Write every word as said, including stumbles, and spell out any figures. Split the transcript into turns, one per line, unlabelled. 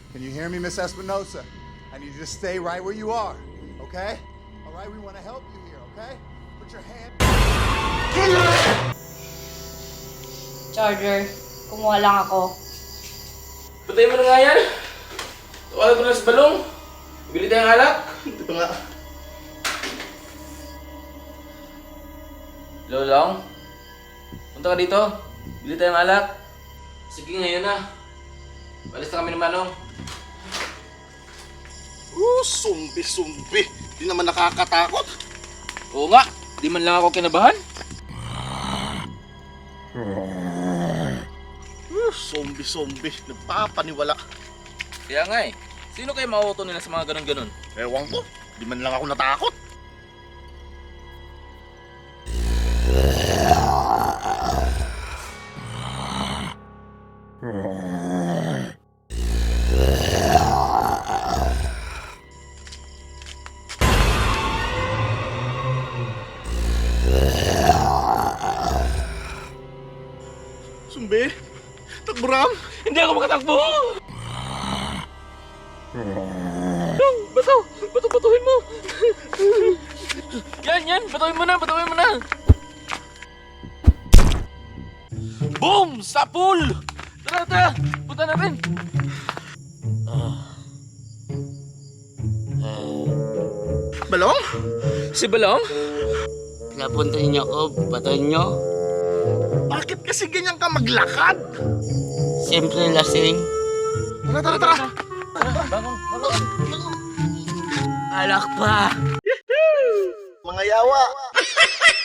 Can you hear me, Miss Espinosa? I need you to stay right where you are, okay? All right, we want to help you here, okay? Put your hand...
Charger, kumuha lang ako.
Patayin mo na nga yan. Tuwala ko na sa balong. Bili tayong alak.
Ito pa nga.
Lolong, punta ka dito. Bili tayong alak. Sige, ngayon na. Balis na kami ng Manong.
Oh, sumbi-sumbi. Di naman nakakatakot.
Oo nga, di man lang ako kinabahan.
Oh, sumbi-sumbi. Nagpapaniwala.
Kaya nga eh, sino kayo mauuto nila sa mga ganun-ganun?
Ewan ko. Di man lang ako natakot. Sumbi? Takburam?
Hindi ako makatakbo! Bato! Bato, batuhin mo! Yan, yan! Batuhin mo na! Batuhin mo na! Boom! Sa pool! Tara, tara! Punta natin!
Balong?
Si Balong?
Pinapuntahin niyo ako, batuhin niyo.
Bakit kasi ganyan ka maglakad?
Siyempre lasing.
Tara, tara, tara!
Bangon! Bangon!
Alak pa.
Mga yawa!